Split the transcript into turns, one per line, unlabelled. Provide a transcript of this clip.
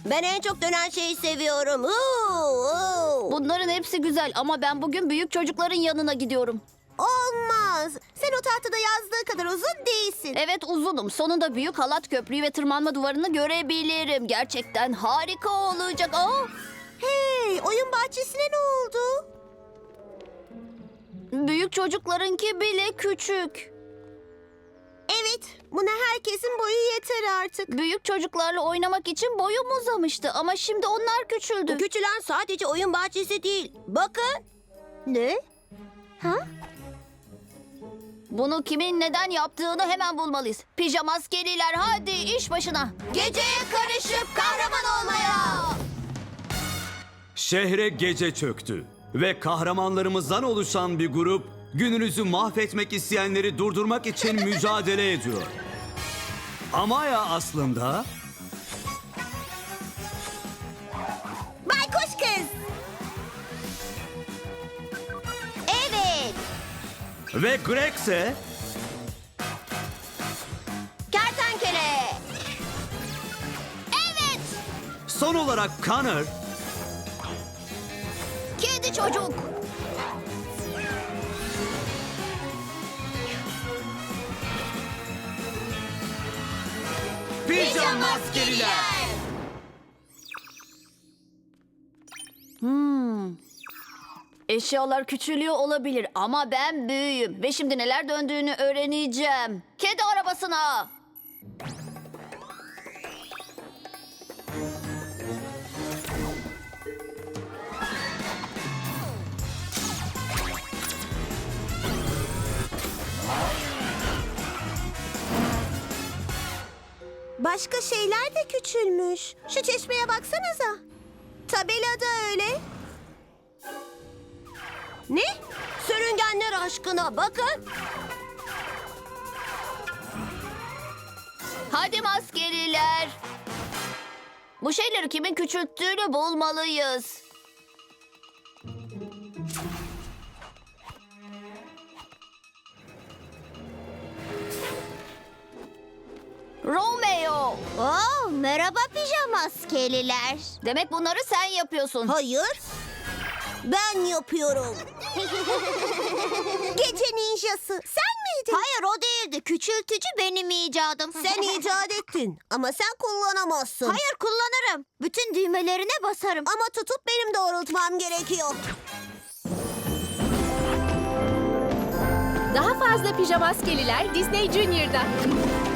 Ben en çok dönen şeyi seviyorum.
Bunların hepsi güzel ama ben bugün büyük çocukların yanına gidiyorum.
Olmaz. Sen o tahtada yazdığı kadar uzun değilsin.
Evet uzunum. Sonunda büyük halat köprüyü ve tırmanma duvarını görebilirim. Gerçekten harika olacak.
Hey, oyun bahçesine ne oldu?
Büyük çocuklarınki bile küçük.
Evet, buna herkesin boyu yeter artık.
Büyük çocuklarla oynamak için boyum uzamıştı ama şimdi onlar küçüldü.
Küçülen sadece oyun bahçesi değil. Bakın. Ne? Ha?
Bunu kimin neden yaptığını hemen bulmalıyız. Pijama askeriler hadi iş başına.
Geceye karışıp kahraman olmaya.
Şehre gece çöktü ve kahramanlarımızdan oluşan bir grup gününüzü mahvetmek isteyenleri durdurmak için mücadele ediyor. Amaya aslında
Baykuş kız. Evet.
ve Greg ise
Kertenkele.
Evet.
son olarak Connor
Kedi çocuk.
Pijama Askeriler.
Eşyalar küçülüyor olabilir ama ben büyüğüm ve şimdi neler döndüğünü öğreneceğim. Kedi arabasına.
Başka şeyler de küçülmüş. Şu çeşmeye baksanıza. Tabelada öyle. Ne? Sürüngenler aşkına bakın.
Hadi maskeliler. Bu şeyleri kimin küçülttüğünü bulmalıyız. Romeo.
Merhaba pijama askeriler.
Demek bunları sen yapıyorsun.
Hayır. Ben yapıyorum. Gece ninjası. Sen miydin? Hayır o değildi. Küçültücü benim icadım. Sen icat ettin ama sen kullanamazsın. Hayır kullanırım. Bütün düğmelerine basarım. Ama tutup benim doğrultmam gerekiyor.
Daha fazla Pijama Askeriler Disney Junior'da.